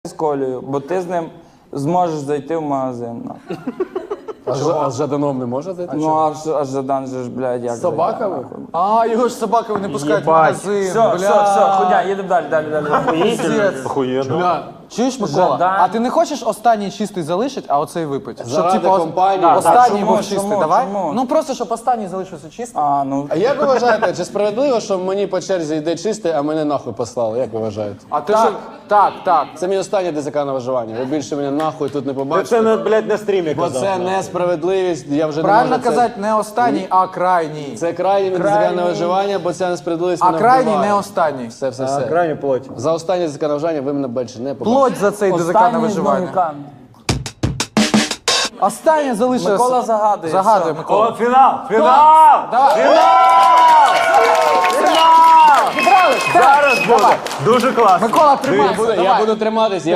з Колею, бо ти з ним зможеш зайти в магазин. А з Жаданом не може зайти? Ну, а Жадан же ж, блядь, як З собаками? А, його ж собаками не пускають в Єбать. магазин, Все, ходя, їдемо далі. Охуєнно. Чуєш, Микола? Жадан. А ти не хочеш останній чистий залишити, а оцей випити? Заради компанії. Останній чому, був чистий, чому, давай? чому? Ну просто, щоб останній залишився чистий. А як ви вважаєте, чи справедливо, що мені по черзі йде чистий, а мене нахуй послали? Як ви вважаєте? А ти що? Так. Це мій останній ДЗК на виживання. Ви більше мене нахуй тут не Ти побачите. це, блядь, на стрімі Бо казав. це несправедливість, я вже не Правильно можу це... казати, не останній, а крайній. Це крайній ДЗК на виживання, бо ця несправедливість А мене крайній вбиває. не останній. Все. Крайню плоть. За останнє ДЗК на виживання ви мене більше не побачите. Плоть за цей ДЗК на виживання. Останнє залишилося. Микола загадує. Загадує, все. Микола. Фінал! Зараз буде. Дуже класно. Микола, тримайся. Я буду триматись.